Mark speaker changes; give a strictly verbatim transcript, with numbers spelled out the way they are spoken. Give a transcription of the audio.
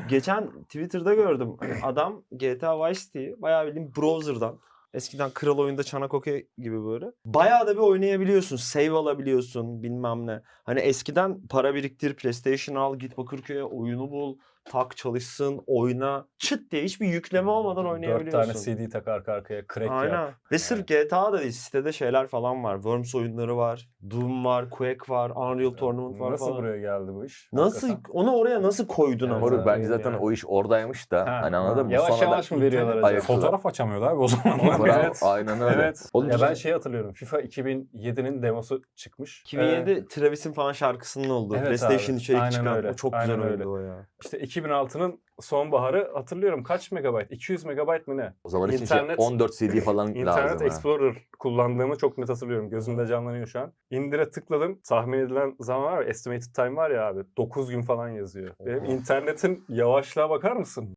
Speaker 1: Geçen Twitter'da gördüm. Hani adam G T A Vice City'yi bayağı bildiğin browser'dan, eskiden Kral Oyun'da çanak okey gibi böyle, bayağı da bir oynayabiliyorsun. Save alabiliyorsun bilmem ne. Hani eskiden para biriktir, PlayStation al, git Bakırköy'e oyunu bul, tak çalışsın, oyna. Çıt diye hiçbir yükleme olmadan
Speaker 2: Dört
Speaker 1: oynayabiliyorsun.
Speaker 2: tane C D tak arka arkaya, crack
Speaker 1: Aynen.
Speaker 2: yap.
Speaker 1: Ve sırf G T A da değil, sitede şeyler falan var. Worms oyunları var, Doom var, Quake var, Unreal Tournament var
Speaker 2: Nasıl
Speaker 1: falan.
Speaker 2: buraya geldi bu iş?
Speaker 1: Nasıl,
Speaker 2: Hakikaten.
Speaker 1: onu oraya nasıl koydun
Speaker 2: Evet,
Speaker 1: ama?
Speaker 3: Moruk bence
Speaker 2: evet.
Speaker 3: zaten
Speaker 2: Yani.
Speaker 3: o iş oradaymış da
Speaker 2: Ha,
Speaker 3: hani anladın mı?
Speaker 2: Yavaş
Speaker 3: Sonra
Speaker 2: yavaş
Speaker 3: da
Speaker 2: mı veriyorlar acaba?
Speaker 3: ayıktılar.
Speaker 2: Fotoğraf açamıyorlar abi o zamanlar.
Speaker 3: Bravo,
Speaker 2: Evet.
Speaker 3: aynen öyle.
Speaker 2: Evet.
Speaker 3: Oğlum
Speaker 2: ya ben
Speaker 3: bizim-
Speaker 2: şey hatırlıyorum. FIFA iki bin yedinin demosu çıkmış.
Speaker 1: iki bin yedi
Speaker 2: Ee,
Speaker 1: Travis'in falan şarkısının olduğu.
Speaker 2: Evet
Speaker 1: PlayStation
Speaker 2: abi,
Speaker 1: içerik
Speaker 2: aynen
Speaker 1: çıkan.
Speaker 2: öyle,
Speaker 1: O çok
Speaker 2: aynen
Speaker 1: güzel
Speaker 2: öyle.
Speaker 1: oyundu o ya.
Speaker 2: işte iki bin altının sonbaharı hatırlıyorum. Kaç megabayt? iki yüz megabayt mı ne?
Speaker 3: O zaman için şey,
Speaker 2: İnternet-
Speaker 3: on dört C D falan
Speaker 2: İnternet
Speaker 3: lazım ha.
Speaker 2: Explorer kullandığımı çok net hatırlıyorum. Gözümde canlanıyor şu an. İndire tıkladım. Tahmin edilen zaman var ya, estimated time var ya abi. dokuz gün falan yazıyor. Benim internetin yavaşlığa bakar mısın?